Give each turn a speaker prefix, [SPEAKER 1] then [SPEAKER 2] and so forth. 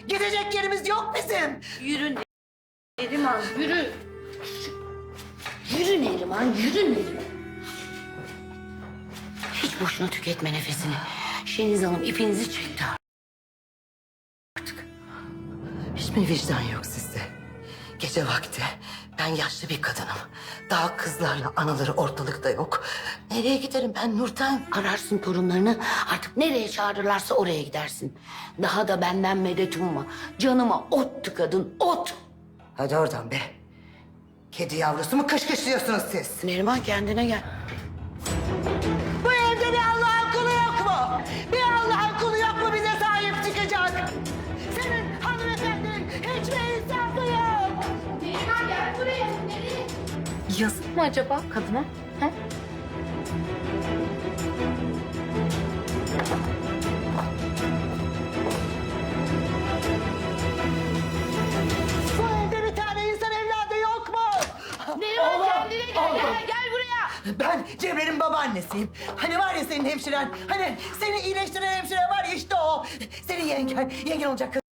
[SPEAKER 1] Gidecek yerimiz yok bizim.
[SPEAKER 2] Yürü Neriman, yürü. Yürü Neriman, yürü Neriman. Hiç boşuna tüketme nefesini. Şeniz Hanım ipinizi çekti artık.
[SPEAKER 1] Hiç mi vicdan yok sizde? Gece vakti ben yaşlı bir kadınım. Daha kızlarla anaları ortalıkta yok. Nereye giderim ben Nurten?
[SPEAKER 2] Ararsın torunlarını, artık nereye çağırırlarsa oraya gidersin. Daha da benden medet umma. Canıma ot tıkadın, ot.
[SPEAKER 1] Hadi oradan be. Kedi yavrusu mu kışkışlıyorsunuz siz?
[SPEAKER 2] Neriman kendine gel.
[SPEAKER 1] Bu evde bir Allah'ın kulu yok mu? Bir Allah'ın kulu yok mu bize sahip çıkacak? Senin hanımefendinin hiç mi insafı yok?
[SPEAKER 3] Neriman gel buraya. Nereye?
[SPEAKER 2] Yazık mı acaba kadına? Ha?
[SPEAKER 1] Bu evde bir tane insan evladı yok mu?
[SPEAKER 3] Neriman kendine gel. Gel buraya.
[SPEAKER 1] Ben Cemre'nin babaannesiyim. Hani var ya senin hemşiren, hani seni iyileştiren hemşire var ya işte o. Senin yengen olacak kız.